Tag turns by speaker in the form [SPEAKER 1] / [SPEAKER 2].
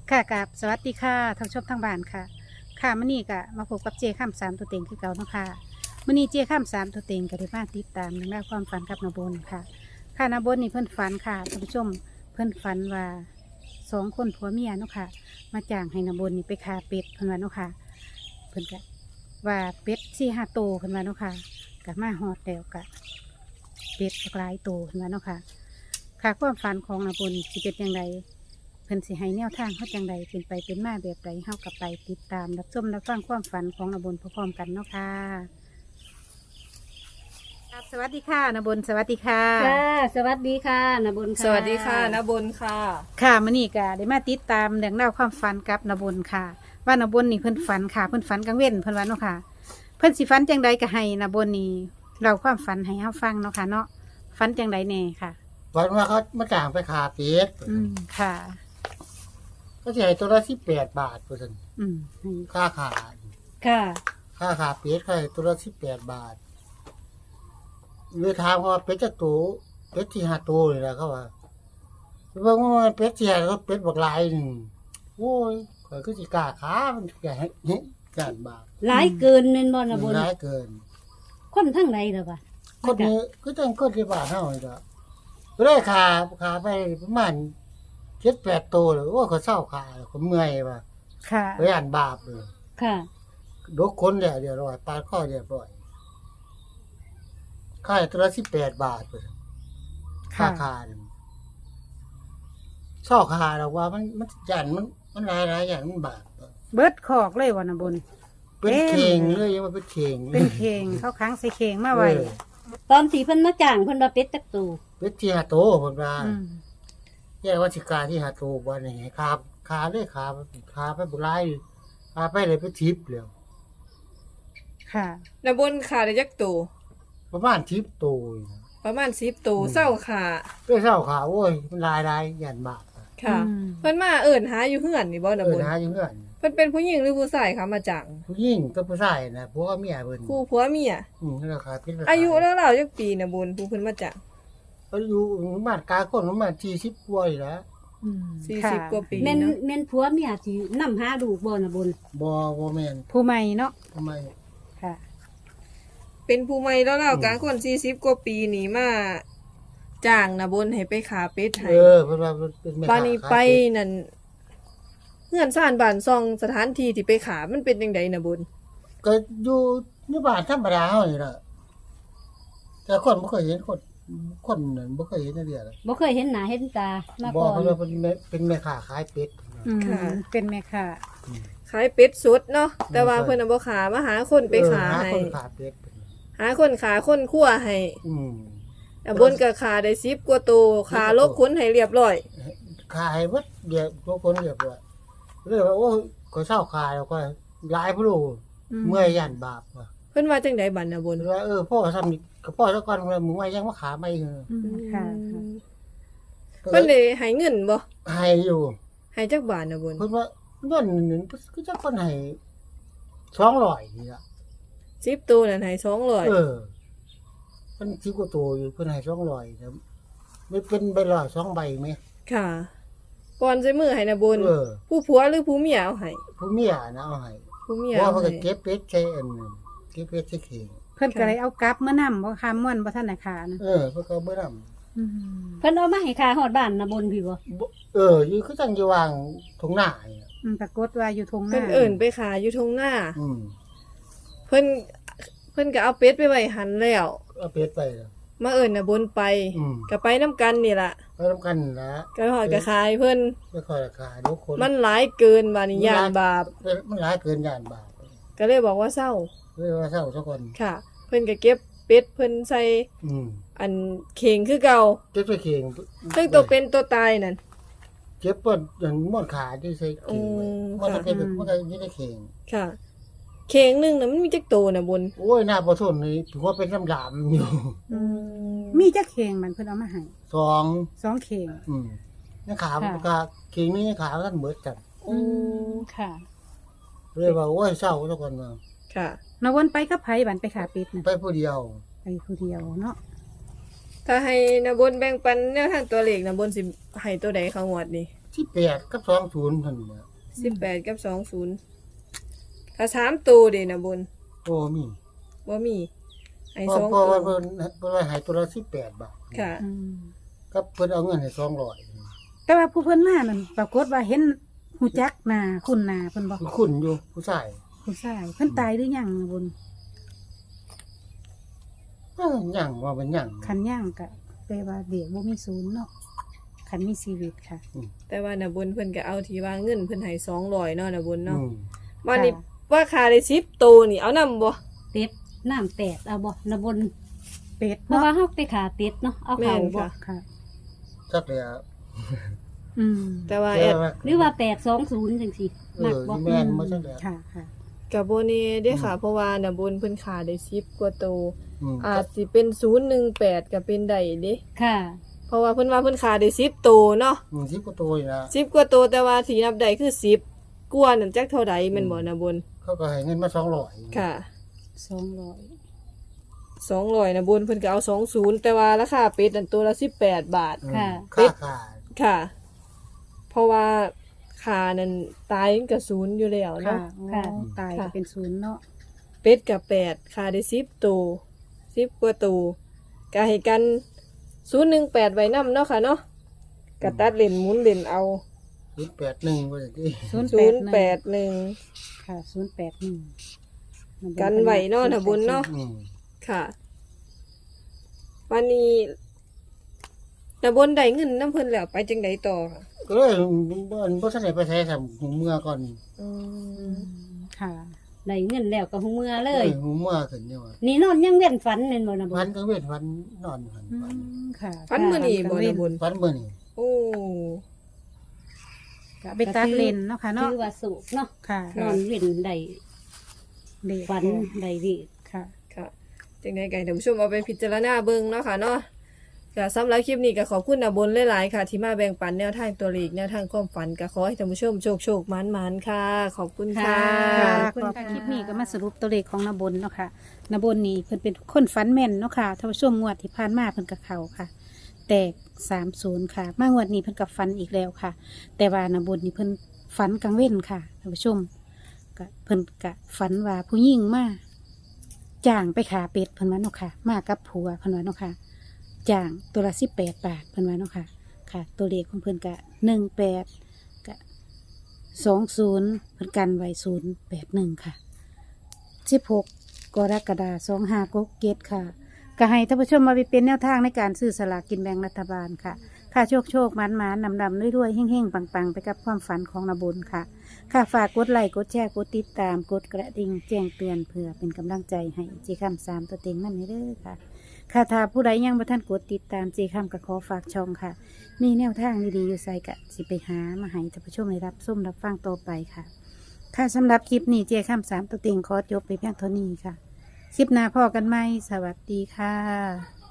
[SPEAKER 1] ค่ะกับสวัสดีค่ะท่านผู้ชมทางบ้านค่ะค่ะมื้อนี้ก็มาพบกับเจข้ามสามตัวเต็งคือเก่าเนาะค่ะมื้อนี้เจข้ามสามตัวเต็งก็ได้มาติดตามเรื่องราวความฝันกับนาบนค่ะค่ะนาบนนี่เพิ่นฝันค่ะท่านผู้ชมเพิ่นฝันว่าสองคนผัวเมียเนาะค่ะมาจ้างให้นาบนนี่ไปฆ่าเป็ดเพิ่นว่าเนาะค่ะเพิ่นก็ว่าเป็ด4-5ตัวเพิ่นว่าเนาะค่ะก็มาฮอดแล้วก็เป็ดหลายตัวเพิ่นว่าเนาะค่ะค่ะความฝันของนาบนสิเป็นจังได เพิ่นสิให้แนวทางเขาจังใดเป็นไปเป็นมาแบบใดเฮากับไปติดตามรับชมรับฟังความฝันของนบนพร้อมๆกันเนาะค่ะครับสวัสดีค่ะนบนสวัสดีค่ะ
[SPEAKER 2] ค่ะสวัสดีค่ะนบุญค่ะ
[SPEAKER 3] สวัสดีค่ะนบุญค่ะ
[SPEAKER 1] ค่ะมื้อนี้ก็ได้มาติดตามเรื่องราวความฝันกับนบนค่ะ ว่านบนนี่เพิ่นฝันค่ะเพิ่นฝันกลางเว้นเพิ่นว่าเนาะค่ะ เพิ่นสิฝันจังใดก็ให้นบนนี่เราความฝันให้เฮาฟังเนาะค่ะเนาะฝันจังใดแน่ค่ะ
[SPEAKER 4] วันว่าเขามาจ้างไปขาเป็ด
[SPEAKER 1] อืมค่ะ
[SPEAKER 4] ก็จะให้ตัวละ18 บาทเปอร์เซ็นต์
[SPEAKER 1] อืมให้
[SPEAKER 4] ค่าขา
[SPEAKER 2] ค่ะ
[SPEAKER 4] ค่าขาเป็ดก็ให้ตัวละ18 บาทเลยถามว่าเป็ดจะตัวเป็ดที่5ตัวเลยนะเขาว่าเบิ่งว่าเป็ดที่5ตัวเป็ดบักหลายหนึงโอ้ยข่อยก็สิกล้าขามันแก่การบาป
[SPEAKER 2] หลายเกินเน้นบ่นบุญ
[SPEAKER 4] หลายเกิน
[SPEAKER 2] คนทั้งไหนเหรอวะ
[SPEAKER 4] คนนี้ก็ต้องคนที่บ้านเฮานี่ล่ะก็ได้ขาไปประมาณ7-8ตัวเลยโอ้ยเขาเศร้าขาแล้วก็เมื่อยว่ะ
[SPEAKER 1] ค่ะ
[SPEAKER 4] ไปอ่านบาปเลย
[SPEAKER 2] ค่ะ
[SPEAKER 4] ดกคนเรียบร้อยปาดข้อเรียบร้อยค่าตัวละ18 บาทเลยค่า
[SPEAKER 1] ค่ะ
[SPEAKER 4] หนึ่งช่อคาหรอกว่ามันยันมันหลายอย่างมันบาท
[SPEAKER 1] เบิดคอกเลยว่านบน
[SPEAKER 4] เป็น
[SPEAKER 1] เต็ม
[SPEAKER 4] เข่งเลยยังว่าเป็นเข่ง
[SPEAKER 1] เป็นเคงเขาค้างใส่เคงมาไว้
[SPEAKER 2] ตอนที่เพิ่นมาจ้างเพิ่นว่าเป็ดจักตู
[SPEAKER 4] เป็นที่หาโตคนว่า
[SPEAKER 1] อืม
[SPEAKER 4] แย่ว่าสิกาที่หาโตวันนี้ขาเลยขาไปบุไรขาไปเลยไปทิพย์แล้ว
[SPEAKER 1] ค่ะ
[SPEAKER 3] นบุญค่ะได้ยักตู
[SPEAKER 4] ประมาณทิพย์โตอยู่นะ
[SPEAKER 3] ประมาณ10ตูเศร้าค่ะ
[SPEAKER 4] เพื่อเศร้าขาโอ้ยมันลายยันบาป
[SPEAKER 3] ค่ะ
[SPEAKER 1] อืม
[SPEAKER 3] เพิ่นมาเอิ่นหาอยู่เฮือนนี่บ่นบุญ
[SPEAKER 4] หาอยู่เงื่อน
[SPEAKER 3] เพิ่นเป็นผู้หญิงหรือผู้ชายคะมาจัง
[SPEAKER 4] ผู้หญิงกับผู้ชายนะพวกเมียเพิ่น
[SPEAKER 3] คู่ผัวเมีย
[SPEAKER 4] นั่นแหละครับเป็นราคา
[SPEAKER 3] อายุแล้วเราจักปีนบุญผู้เพิ่นมาจัง
[SPEAKER 4] อายุประมาณกลางคนประมาณ40กว่าอยู่แล้ว
[SPEAKER 1] อืม
[SPEAKER 3] 40กว่าปี
[SPEAKER 2] แม่น
[SPEAKER 3] เนาะ
[SPEAKER 2] แม่นผัวเมียสินำหาลูกบ่นบุญ
[SPEAKER 4] บ่แม่น
[SPEAKER 1] ผู้ใหม่เนาะ
[SPEAKER 4] ทำไม
[SPEAKER 1] ค่ะ
[SPEAKER 3] เป็นผู้ใหม่แล้วเรากลางคน40กว่าปีนี่มาจ้างนบุญให้ไปขาเป็ดให้
[SPEAKER 4] เพิ่นว่าเป็นแม่
[SPEAKER 3] บานี้ไปนั่นเฮือนซ่านบ้านซองสถานที่ที่ไปขามันเป็นจังไดนะบุญ
[SPEAKER 4] ก็อยู่ในบ้านธรรมดาเฮานี่ล่ะแต่คนบ่เคยเห็นคนนั้นบ่เคยเห็นจังเดียว
[SPEAKER 2] บ่เคยเห็นหน้าเห็นตามา
[SPEAKER 4] บ่
[SPEAKER 2] ก่อน
[SPEAKER 4] เพิ่นว่าเป็นแม่ค้าขายเป็ด
[SPEAKER 1] อืมเป็นแม่ค่ะ
[SPEAKER 3] ขายเป็ดสดเนาะแต่ว่าเพิ่นน่ะบ่ขามาหาคนไปขา
[SPEAKER 4] หา
[SPEAKER 3] ให้
[SPEAKER 4] คนขาเป็ด
[SPEAKER 3] หาคนขาคนคั่วให้
[SPEAKER 4] อืม
[SPEAKER 3] แต่บนก็ขาได้10กว่าตัวขาลบคุ้นให้เรียบร้อย
[SPEAKER 4] ขายเบิดเดี๋ยวทุกคนเรียบร้อยเลยว่าโอ้ยก็เศร้าขายแล้วก็หลายผู้รู้เมื่อยย่านบาปว่ะ
[SPEAKER 3] เพิ่นว่าจังไดบัดน่ะบน
[SPEAKER 4] เพิ่นว่าพ่อทำนี่ก็พ่อซะก่อนว่ามึงว่ายังมาขาไม่เหรอ
[SPEAKER 1] อืมค่ะ
[SPEAKER 3] เพิ่นได้ให้เงินบ่
[SPEAKER 4] ให้อยู่
[SPEAKER 3] ให้จักบาทน่ะบน
[SPEAKER 4] เพิ่นว่าเงินนึงคือจักคนให้200นี่ล่ะ
[SPEAKER 3] 10ตัวนั่นให้
[SPEAKER 4] เอ
[SPEAKER 3] 200
[SPEAKER 4] อเพิ่น10กว่าตัวอยู่เพิ่นให้200ครับไม่เป็นใบลอย2ใบมั้ย
[SPEAKER 3] ค่ะก่อนใส่มือให้น่ะบน
[SPEAKER 4] เออ
[SPEAKER 3] ผู้ผัวหรือผู้เมียเอาให้
[SPEAKER 4] ผู้เมียนะเอาให้
[SPEAKER 3] ผู้เมีย
[SPEAKER 4] เพราะ
[SPEAKER 3] เอา
[SPEAKER 4] ว่าเพิ่น
[SPEAKER 3] ให้
[SPEAKER 4] ก็เก็บเป็ดใช้อันนึงเก็บเป็ดใช้เข่ง
[SPEAKER 1] เพิ่นก็เลยเอากลับเมื่อนำบ่ค่ะม่วนบ่ทันได้ขานะ
[SPEAKER 4] เออเพิ่นก็บ่นำ
[SPEAKER 1] อืม
[SPEAKER 2] เพิ่นเอามาให้ค่าฮอดบ้านนบุญพี่บ่
[SPEAKER 4] อยู่คือจังอยู่วางตรงหน้านี่น่ะ
[SPEAKER 1] ปรากฏว่าอยู่ทงห
[SPEAKER 3] เพิ่
[SPEAKER 1] น้าน
[SPEAKER 3] เอิ้นไปขาอยู่ทงหน้า
[SPEAKER 4] อืม
[SPEAKER 3] เพิ่นก็เอาเป็ดไปไว้หันแล้ว
[SPEAKER 4] เอาเป็ดไปแล้ว
[SPEAKER 3] มาเอิ้นน่ะบนไป
[SPEAKER 4] อืม
[SPEAKER 3] ก็ไปนํกันนี่ล่ะ
[SPEAKER 4] ไปนํกันนะ
[SPEAKER 3] ก็ฮอดก็ขายเพิ่น
[SPEAKER 4] ไม่ค่อยราคาทุกคน
[SPEAKER 3] มันหลายเกินบาดนี้ย่านบาป
[SPEAKER 4] มันหลายเกินย่านบาป
[SPEAKER 3] ก็เลยบอกว่าเศร้า
[SPEAKER 4] เลยว่าเศร้าทุกคน
[SPEAKER 3] ค่ะ เพิ่นก็เก็บเป็ดเพิ่นใส่
[SPEAKER 4] อืม
[SPEAKER 3] อันเข่งคือเก่า
[SPEAKER 4] เจ็บไปเข่ง
[SPEAKER 3] ซึ่งตัวเป็นตัวตายนั่น
[SPEAKER 4] เจ็บปวดอย่างม่วนขาที่ใส่เข่งไว้
[SPEAKER 3] อืม
[SPEAKER 4] มันจะ
[SPEAKER 3] ค่ะ
[SPEAKER 4] เป็นแบบมันก็อยี่ในเข่ง
[SPEAKER 3] ค่ะ เข่งหนึงน่ะมันมีจักโตน่ะบน
[SPEAKER 4] โอ้ยหน้าบ่ทนเลยถือว่าเป็นน้ำยามอยู่
[SPEAKER 1] มีจักเคงมันเพิ่นเอามาให้
[SPEAKER 4] สอง
[SPEAKER 1] 2เคง
[SPEAKER 4] อืมนี่ขา
[SPEAKER 1] ค่ะ
[SPEAKER 4] ขาเข่งนี่ขาท่านเบิดกัน
[SPEAKER 1] อืมค่ะ
[SPEAKER 4] เลยว่าโอ้ยเศร้าทุกคนมา
[SPEAKER 3] ค่ะ
[SPEAKER 1] นวนไปกับไผบันไปขาปิดน่ะ
[SPEAKER 4] ไปผู้เดียว
[SPEAKER 1] ไปผู้เดียวเนาะ
[SPEAKER 3] ถ้าให้นะบนแบ่งปันแนวทางตัวเลขนะบนสิให้ตัวใดเขางวดนี่
[SPEAKER 4] 18กับ20เท่านั้นแหละ
[SPEAKER 3] 18กับ20ถ้า3ตัวเด้นะบน
[SPEAKER 4] โอ้มี
[SPEAKER 3] บ่มีไอ้
[SPEAKER 4] เพ
[SPEAKER 3] ส
[SPEAKER 4] ราะ
[SPEAKER 3] อง
[SPEAKER 4] เพราะ
[SPEAKER 3] ตั
[SPEAKER 4] ว่าว เพิ่นว่าให้ตัวละ18 บาท
[SPEAKER 3] ค่ะ
[SPEAKER 1] อืม
[SPEAKER 4] ก็เพิ่นเอาเงินให้200
[SPEAKER 1] แต่ว่าผู้เพิ่นมานั่นปรากฏว่าเห็นหูจักหน้าคุณหน้าเพิ่นบ่
[SPEAKER 4] คือคุณอยู่ผู้ชาย
[SPEAKER 1] ผู้ชายเพิ่นตายหรือยังนะบุญ
[SPEAKER 4] หยังว่ามันหยัง
[SPEAKER 1] คันยังก็แปลว่าเด็กบ่มีศูนย์เนาะคันมีชีวิตค่ะ
[SPEAKER 3] แต่ว่านะบนเพิ่นก็เอาที่ว่าเงินเพิ่นให้200เนาะนะบน
[SPEAKER 4] อื
[SPEAKER 3] เนาะ
[SPEAKER 4] ม
[SPEAKER 3] วันนี้ว่าค่าได้10ตัวนี่เอานำบ่
[SPEAKER 2] เป็ดน้ำแตกเอาบ่นะบน
[SPEAKER 1] เป็ด
[SPEAKER 2] เพราะ
[SPEAKER 1] เนาะ
[SPEAKER 2] ว่าเฮาไปขาเป็ดเนาะเอา
[SPEAKER 3] แม่
[SPEAKER 2] เข้าน บ่
[SPEAKER 3] ค่ะ
[SPEAKER 1] ค่ะ
[SPEAKER 4] จักเลยอะ
[SPEAKER 1] อืม
[SPEAKER 3] แต่ว่า
[SPEAKER 4] แต่
[SPEAKER 3] แอด
[SPEAKER 4] ว่า
[SPEAKER 2] หรือว่า820จังซี่มักบ่
[SPEAKER 4] แม่นบ่จักเลย
[SPEAKER 1] ค่ะค่ะ
[SPEAKER 3] กับโบเน่เด้อค่ะ เพราะว่านะบนเพิ่นขาได้10กว่าตัว
[SPEAKER 4] อืม
[SPEAKER 3] อาจสิเป็น018ก็เป็นได้เด้
[SPEAKER 2] ค่ะ
[SPEAKER 3] เพราะว่าเพิ่นว่าเพิ่นขาได้10ตัวเนาะ
[SPEAKER 4] 10กว่าตัวนี่นะ
[SPEAKER 3] 10กว่าตัวแต่ว่าที่นับได้คือ10กว่านั่นจักเท่าใดแม่นบ่นะบน
[SPEAKER 4] เขาก็ให้เงินมา200
[SPEAKER 3] ค่ะ
[SPEAKER 1] 200
[SPEAKER 3] 200นะบนเพิ่นก็เอา20แต่ว่าราคาเป็ดนั่นตัวละ18 บาท
[SPEAKER 4] อืม
[SPEAKER 2] ค่ะ
[SPEAKER 4] ค่าขาด
[SPEAKER 3] ค่ะ เพราะว่าขานั่นตายมันก็0อยู่แล้ว
[SPEAKER 1] ค่ะ
[SPEAKER 3] เนาะ
[SPEAKER 2] ค่ะ
[SPEAKER 1] อ๋อตายก็เป็นศูนย์เนาะ
[SPEAKER 3] เป็ดกับ8ขาได้10ตัว10กว่าตัวก็ให้กัน018ไว้นำเนาะค่ะเนาะก็ตัดเล่นหมุนเล่นเอา
[SPEAKER 4] 081ว่าจังซี่
[SPEAKER 3] 081
[SPEAKER 1] ค่ะ081
[SPEAKER 3] กันไหวเนาะนะบุญเนาะ
[SPEAKER 4] อืม
[SPEAKER 3] ค่ะ วันนี้นะบนได้เงินน้ำเพิ่นแล้วไปจังไดต่อค่ะ
[SPEAKER 4] ก็เลยบ่ทันได้ไปใช้ซ้ํหูเมื่อก่อน
[SPEAKER 1] อืมค่ะ
[SPEAKER 2] ได้เงินแล้วก็หูเมื่อเลย
[SPEAKER 4] หูเมื่อขึ้นอยู่ว่า
[SPEAKER 2] นี่นอนยังเว้นฝันแม่นบ่นะบ
[SPEAKER 4] พั
[SPEAKER 2] น
[SPEAKER 4] นก็เว้นพันนอนพัน
[SPEAKER 1] อืมค่ะ
[SPEAKER 3] ฟันมื้อนี้บ่นะบุญ
[SPEAKER 4] พันมื้อนี้
[SPEAKER 3] โอ้
[SPEAKER 1] ก็ไปตัดเลนเนาะค่ะเนาะ
[SPEAKER 2] ถือว่าสุกเนาะ
[SPEAKER 1] ค่ะ
[SPEAKER 2] นอนเว้นได้
[SPEAKER 1] เด็ก
[SPEAKER 2] ฝันได้ดี
[SPEAKER 1] ค่ะ
[SPEAKER 3] ค่ะจังได๋ก็ให้ท่านผู้ชมเอาไปพิจารณาเบิ่งเนาะค่ะเนาะก็สำหรับคลิปนี้ก็ขอบคุณนะบนหลายๆค่ะ ที่มาแบ่งปันแนวทางตัวเลขแนวทางความฝันก็ขอให้ท่านผู้ชมโชคๆหมานๆค่ะ ขอบคุณค่ะ
[SPEAKER 1] ค่ะ
[SPEAKER 2] ขอบคุณ
[SPEAKER 1] ขอบ
[SPEAKER 2] ค่ะ
[SPEAKER 1] คลิปนี้ก็มาสรุปตัวเลขของนบนเนาะค่ะนบนนี่เพิ่นเป็นคนฝันแม่นเนาะค่ะท่านผู้ชมงวดที่ผ่านมาเพิ่นกับเขาค่ะ แตก30ค่ะมางวดนี้เพิ่นกับฝันอีกแล้วค่ะ แต่ว่านบนนี่เพิ่นฝันกลางเว้นค่ะท่านผู้ชมก็เพิ่นกะฝันว่าผู้หญิงมาจ้างไปขาเป็ดเพิ่นว่าเนาะค่ะ มากับผัวเพิ่นว่าเนาะค่ะจ้างตัวละ18 บาทเพิ่นว่าเนาะค่ะ ค่ะ ตัวเลขของเพิ่นกะ18กะ20เพิ่นกันไว้081ค่ะ16กรกฎาคม2567ค่ะก็ให้ท่านผู้ชมมาไปเป็นแนวทางในการซื้อสลากกินแบ่งรัฐบาลค่ะ ค่ะโชคๆมันๆนำๆรวยๆเฮ่งๆปังๆไปกับความฝันของนบุญค่ะ ค่ะฝากกดไลค์กดแชร์กดติดตามกดกระดิ่งแจ้งเตือนเพื่อเป็นกำลังใจให้เจคำ3ตัวเต็งนั่นเด้อค่ะ ค่ะถ้าผู้ใดยังบ่ทันกดติดตามเจคำก็ขอฝากช่องค่ะ มีแนวทางดีๆอยู่ใส่กะสิไปหามาให้ท่านผู้ชมได้รับส้มรับฟังต่อไปค่ะ ค่ะสำหรับคลิปนี้เจคำ3ตัวเต็งขอจบไปเพียงเท่านี้ค่ะ คลิปหน้าพอกันไหมสวัสดีค่ะ